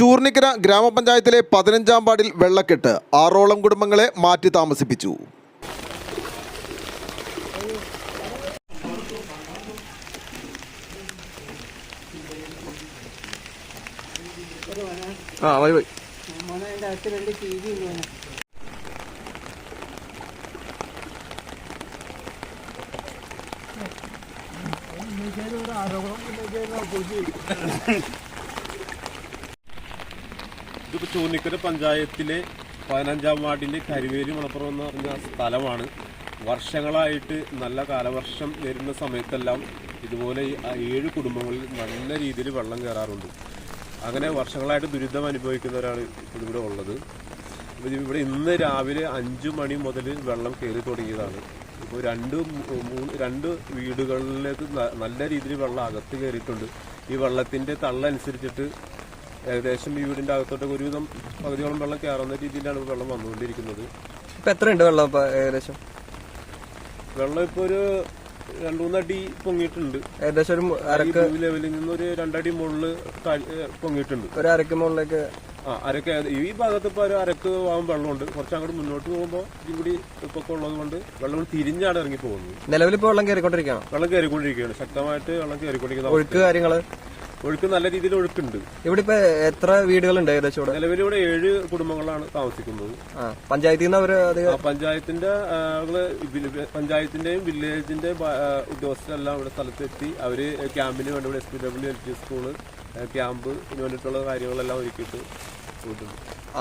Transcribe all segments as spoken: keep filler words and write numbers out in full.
ചൂർണിക്കര ഗ്രാമപഞ്ചായത്തിലെ പതിനഞ്ചാം വാർഡിൽ വെള്ളക്കെട്ട് ആറോളം കുടുംബങ്ങളെ മാറ്റി താമസിപ്പിച്ചു. ആ വൈ വൈ ഇതിപ്പോൾ ചൂർണിക്കര പഞ്ചായത്തിലെ പതിനഞ്ചാം വാർഡിലെ കരിവേലി മണപ്പുറം എന്ന് പറഞ്ഞ സ്ഥലമാണ്. വർഷങ്ങളായിട്ട് നല്ല കാലവർഷം വരുന്ന സമയത്തെല്ലാം ഇതുപോലെ ഏഴ് കുടുംബങ്ങളിൽ നല്ല രീതിയിൽ വെള്ളം കയറാറുണ്ട്. അങ്ങനെ വർഷങ്ങളായിട്ട് ദുരിതം അനുഭവിക്കുന്നവരാണ് ഇവിടെ ഉള്ളത്. ഇവിടെ ഇന്ന് രാവിലെ അഞ്ചു മണി മുതൽ വെള്ളം കയറി തുടങ്ങിയതാണ്. ഇപ്പോൾ രണ്ട് മൂന്ന് രണ്ട് വീടുകളിലേക്ക് നല്ല രീതിയിൽ വെള്ളം അകത്ത് കയറിയിട്ടുണ്ട്. ഈ വെള്ളത്തിൻ്റെ തള്ളനുസരിച്ചിട്ട് ഏകദേശം ഈ വീടിൻ്റെ അകത്തോട്ടൊക്കെ ഒരുവിധം പകുതിയോളം വെള്ളം കയറുന്ന രീതിയിലാണ് വെള്ളം വന്നുകൊണ്ടിരിക്കുന്നത്. ഇപ്പം എത്രയുണ്ട് വെള്ളം ഇപ്പോൾ ഏകദേശം? വെള്ളം ഇപ്പോൾ ഒരു രണ്ടു മൂന്നടി പൊങ്ങിയിട്ടുണ്ട്. ഏകദേശം ഒരു അരക്ക് ലെവലിൽ നിന്ന് ഒരു രണ്ടടി മുകളിൽ പൊങ്ങിയിട്ടുണ്ട്. ഒരു അരക്ക് മുകളിലേക്ക് ആ അരക്ക് ഈ ഭാഗത്ത് ഇപ്പോൾ ഒരു അരക്ക് ആകും വെള്ളമുണ്ട്. കുറച്ച് അങ്ങോട്ട് മുന്നോട്ട് പോകുമ്പോൾ ഇതും കൂടി ഇപ്പൊക്കെ ഉള്ളത് കൊണ്ട് വെള്ളം തിരിഞ്ഞാണ് ഇറങ്ങി പോകുന്നത്. നിലവിലിപ്പോൾ വെള്ളം കയറിക്കൊണ്ടിരിക്കുകയാണ് വെള്ളം കയറിക്കൊണ്ടിരിക്കുകയാണ് ശക്തമായിട്ട് വെള്ളം കയറിക്കൊണ്ടിരിക്കുന്നത്. ഒഴുക്ക് കാര്യങ്ങള് ഒഴുക്ക് നല്ല രീതിയിൽ ഒഴുക്കുണ്ട്. ഇവിടെ ഇപ്പൊ എത്ര വീടുകളുണ്ട് ഏകദേശം? നിലവിൽ ഇവിടെ ഏഴ് കുടുംബങ്ങളാണ് താമസിക്കുന്നത്. പഞ്ചായത്തിൽ നിന്ന് അവര് പഞ്ചായത്തിന്റെ പഞ്ചായത്തിന്റെയും വില്ലേജിന്റെ ഉദ്യോഗസ്ഥരെല്ലാം ഇവിടെ സ്ഥലത്തെത്തി അവര് ക്യാമ്പിന് വേണ്ടി ഇവിടെ S P W L P school ക്യാമ്പിന് വേണ്ടിയിട്ടുള്ള കാര്യങ്ങളെല്ലാം ഒരുക്കിയിട്ട് പോയിട്ടുണ്ട്.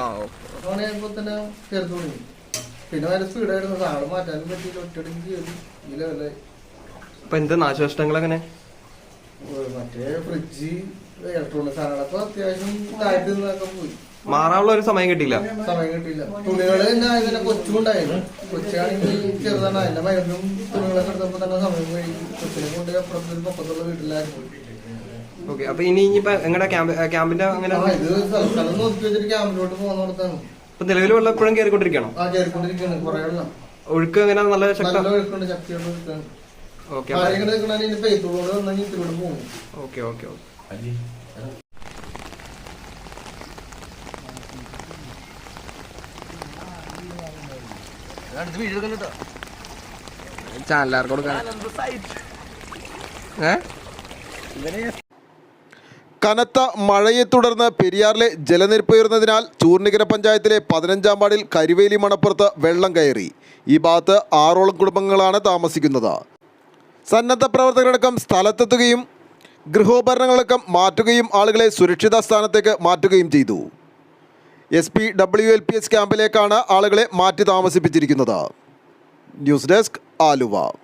പിന്നെ വരെ സ്പീഡായിരുന്നു സാറ് മാറ്റാനും പറ്റിയില്ല. ഒറ്റയടിക്ക് ചെയ്തു ഈ ലെവലായി. ഇപ്പൊ എന്ത് നാശനഷ്ടങ്ങൾ എങ്ങനെ? മറ്റേ ഫ്രിഡ്ജ് ഇലക്ട്രോണിക് സാധനങ്ങളൊക്കെ അത്യാവശ്യം താഴ്ത്തി നിന്നൊക്കെ പോയി. മാറാനുള്ള ഒരു സമയം കിട്ടിയില്ല സമയം കിട്ടിയില്ല. തുണികള് തന്നെ അതിനെ കൊച്ചുകൊണ്ടായിരുന്നു. കൊച്ചാണെങ്കിൽ ചെറുതാണ്. അതിന്റെ മരുന്നും തുണികളൊക്കെ എടുത്തപ്പോ തന്നെ സമയം കഴിക്കും. കൊച്ചിനെ കൊണ്ട് അപ്പുറത്തൊരു പൊക്കത്തുള്ള വീട്ടിലായിരുന്നു. ഓക്കെ. അപ്പൊ ഇനി ഇനിയിപ്പോ എങ്ങനെ ക്യാമ്പിന്റെ അങ്ങനെ ഇത് സ്ഥലം നോക്കി വെച്ചിട്ട് ക്യാമ്പിലോട്ട് പോകുന്നിടത്താണ്. ഇപ്പൊ നിലവിൽ വെള്ളം എപ്പോഴും കയറിക്കൊണ്ടിരിക്കണം. ആ കയറിക്കൊണ്ടിരിക്കുകയാണ്. കുറെ വെള്ളം ഒഴുക്ക് എങ്ങനെ നല്ല നല്ല ഒഴുക്കുണ്ട്. ശക്തിയുള്ള ഒഴുക്കാണ്. ഓക്കെ പെയ്ത്തോട് വന്നെങ്കിൽ ഇതിലൂടെ പോകും. ഓക്കെ ഓക്കെ ഓക്കെ ചാനലാർക്ക് കൊടുക്കാൻ. കനത്ത മഴയെ തുടർന്ന് പെരിയാറിലെ ജലനിരപ്പ് ഉയർന്നതിനാൽ ചൂർണിക്കര പഞ്ചായത്തിലെ പതിനഞ്ചാം വാർഡിൽ കരിവേലി മണപ്പുറത്ത് വെള്ളം കയറി. ഈ ഭാഗത്ത് ആറോളം കുടുംബങ്ങളാണ് താമസിക്കുന്നത്. സന്നദ്ധ പ്രവർത്തകരടക്കം സ്ഥലത്തെത്തുകയും ഗൃഹോപകരണങ്ങളടക്കം മാറ്റുകയും ആളുകളെ സുരക്ഷിത സ്ഥാനത്തേക്ക് മാറ്റുകയും ചെയ്തു. S P W L P S ക്യാമ്പിലേക്കാണ് ആളുകളെ മാറ്റി താമസിപ്പിച്ചിരിക്കുന്നത്. News desk Aluva.